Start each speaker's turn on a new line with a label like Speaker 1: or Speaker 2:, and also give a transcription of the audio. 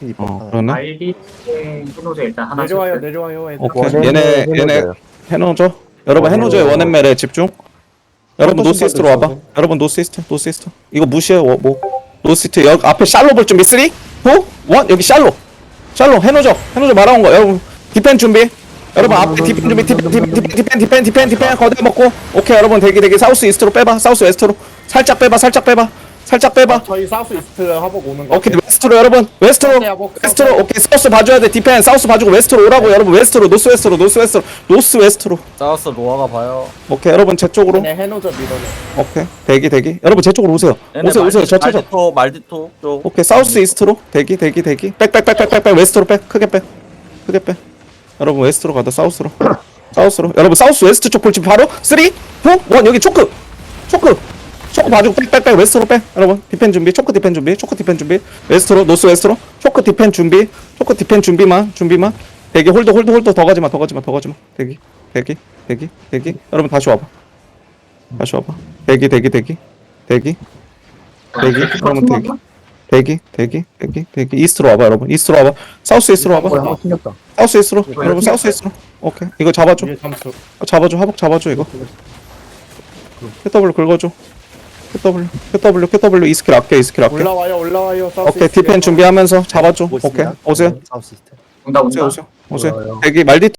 Speaker 1: 그러네.
Speaker 2: 알비 해노저 일단 하나
Speaker 3: 내려와요
Speaker 2: 쳤어요.
Speaker 3: 내려와요 애들.
Speaker 1: 오케이. 얘네 해노저. 여러분 해노저의 원앤멜에 집중. 여러분 노스이스트로 와봐. 여러분 노스이스트. 이거 무시해. 뭐 노스이스트 여기 앞에 샬로 볼 준비. 3, 2, 1 여기 샬로 해노저 말아온 거. 여러분 디펜 준비. 여러분 앞에 디펜 준비. 디펜 거대 먹고. 오케이 여러분 대기 사우스 이스트로 빼봐. 사우스 웨스트로 살짝 빼봐.
Speaker 3: 저희 사우스 이스트 하복 오는 거.
Speaker 1: 오케이 웨스트로 여러분 웨스트로 오케이 사우스 봐줘야 돼. 디펜 사우스 봐주고 웨스트로 오라고. 여러분 웨스트로 노스웨스트로
Speaker 4: 사우스 로아가 봐요.
Speaker 1: 오케이 여러분 제 쪽으로.
Speaker 3: 얘네 해노저 밀어내.
Speaker 1: 오케이 대기 여러분 제 쪽으로 오세요. 오세요 저 찾아.
Speaker 4: 말디토 쪽.
Speaker 1: 오케이 사우스 이스트로 대기 백 웨스트로 백 크게 빼 여러분 웨스트로 가다 사우스로 여러분 사우스 웨스트 쪽 볼지 바로 3 2 1 여기 초크 봐주고 백 웨스트로 빼 여러분 디펜 준비 초크 디펜 준비 웨스트로 노스 웨스트로 초크 디펜 준비만 대기 홀드 더 가지마 대기 여러분 다시 와봐 대기 여러분 대기 이스트로 와봐 여러분 사우스 이스트로 와봐 사우스 이스트로 여러분 사우스 이스트로 오케이 이거 잡아줘
Speaker 3: 위에 잠수.
Speaker 1: 하복 잡아줘 이거 QW 긁어줘 QW 이 스킬 아껴
Speaker 3: 올라와요 사우스
Speaker 1: 오케이
Speaker 3: 이스트.
Speaker 1: 디펜 준비하면서 잡아줘 오케이 오세요
Speaker 2: 온다.
Speaker 1: 대기 말디